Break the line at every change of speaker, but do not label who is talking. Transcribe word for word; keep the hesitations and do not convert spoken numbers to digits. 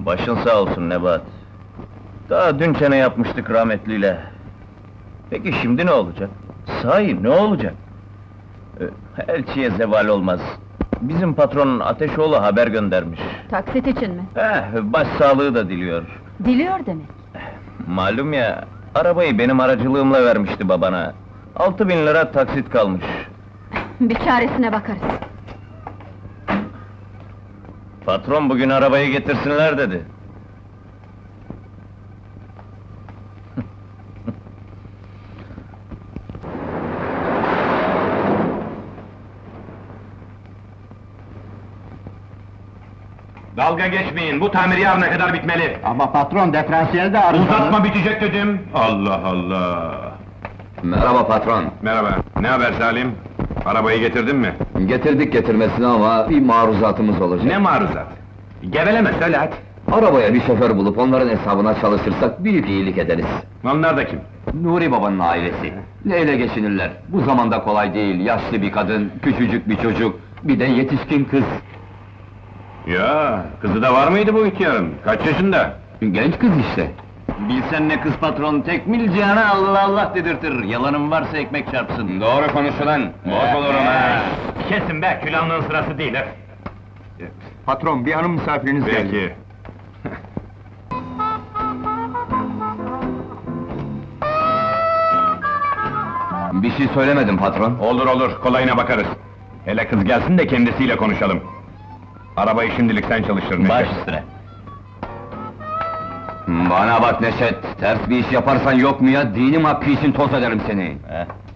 Başın sağ olsun Nebat. Daha dün çene yapmıştık rahmetliyle. Peki şimdi ne olacak? Sahi ne olacak? Ee, Elçiye zeval olmaz. Bizim patronun Ateşoğlu haber göndermiş.
Taksit için mi?
Eh, başsağlığı da diliyor.
Diliyor demek.
Malum ya, arabayı benim aracılığımla vermişti babana. Altı bin lira taksit kalmış.
Bir çaresine bakarız.
Patron bugün arabayı getirsinler dedi.
Dalga geçmeyin, bu tamir yarına kadar bitmeli.
Ama patron, diferansiyel de arızalı.
Uzatma, bitecek dedim! Allah Allah!
Merhaba patron.
Merhaba, ne haber Salim? Arabayı getirdin mi?
Getirdik getirmesine ama bir maruzatımız olacak.
Ne maruzat? Geveleme, söyle hadi!
Arabaya bir şoför bulup onların hesabına çalışırsak büyük iyilik ederiz.
Onlar da kim?
Nuri babanın ailesi. Neyle geçinirler? Bu zamanda kolay değil, yaşlı bir kadın, küçücük bir çocuk, bir de yetişkin kız.
Ya, kızı da var mıydı bu ihtiyarın? Kaç yaşında?
Genç kız işte.
Bilsen ne kız patron, tekmil cihana Allah Allah dedirtir. Yalanın varsa ekmek çarpsın.
Doğru konuş ulan! Boş olurum ha!
Kesin be, külahının sırası değil ha!
Patron, bir hanım misafiriniz geldi.
Peki.
Bir şey söylemedim patron.
Olur olur, kolayına bakarız. Hele kız gelsin de kendisiyle konuşalım. Arabayı şimdilik sen çalıştır Neşet.
Baş üstüne.
Bana bak Neşet, ters bir iş yaparsan yok mu ya, dinim hakkı için toz ederim seni.
Heh.